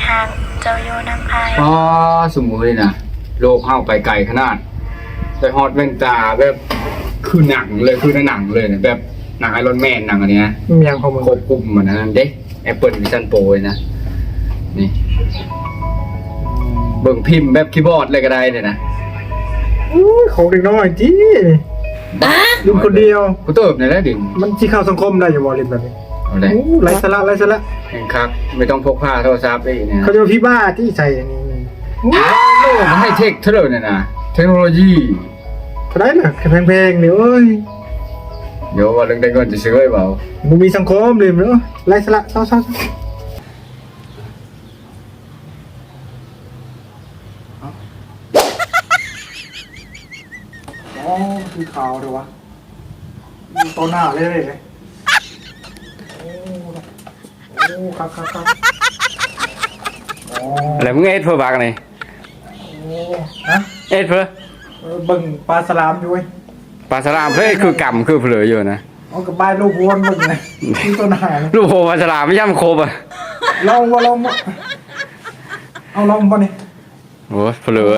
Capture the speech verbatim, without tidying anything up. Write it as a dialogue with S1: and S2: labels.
S1: ห่างเจ้าอยู่น้ำไผ่
S2: อ๋อสมมุตินะโลกเข้าไปไกลขนาดไปฮอตแว่นตาแบบคือหนังเลยคือในหนังเลยนะแบบหนังไอรอนแมนหนังอันเนี้ย
S3: มีอย่างของมึง
S2: ควบคุมมันนะเด็ก Apple Vision Pro เลยนะนี่เบิ่งพิมพ์แบบคีย์บอร์ดเลยก็ได้เนี่ยนะ
S3: อุ้ยของเด็กน้อยจีลืมคนเดียว
S2: กูเติบในแล้วดิ
S3: มันที่เข้าสังคมได้อยู่บอลินแบบนี้
S2: เอาเลย
S3: โอ้ไรสาระไรสาระ
S2: แข่งคักไม่ต้องพกผ้าโทรศัพท์ได้อีกเนี่ย
S3: เขาจะมาพี่บ้าที่ใส่อันนี้โอ้ย
S2: โลกมันให้เทคเท่าไหร่เนี่ยนะเทคโนโลยี
S3: เขาได้เหรอแพงๆเดี๋ยวเอ้ย
S2: เดี๋ยวว่าเรื่องได้เงินจะซื้อไว้เปล่า
S3: มึงมีสังคมเลยมั้ยไรสาระเศร้าๆอ๋อคือขาวเลยวะตัวหน้าเลยเลยโอ้โอ้ครับครับครับโอ้
S2: อะไรมึงเอ็ดเพื่อบักนี่
S3: ฮะ
S2: เอ็ดเพื่อ
S3: เออเบิ่งปลาสลามอยู่เว้ย
S2: ปลาสลามเพื่อคือกำคือเผลออยู่นะ
S3: เอากับบ้านลูกวนเบิ่งเลยที่ตัวหน้าเลย
S2: ลูกโหปลาสลามไม่ย่ำโคบอ่ะ
S3: ลองว่าลองบ่เอาลองป่ะนี่
S2: โอ้เผลอ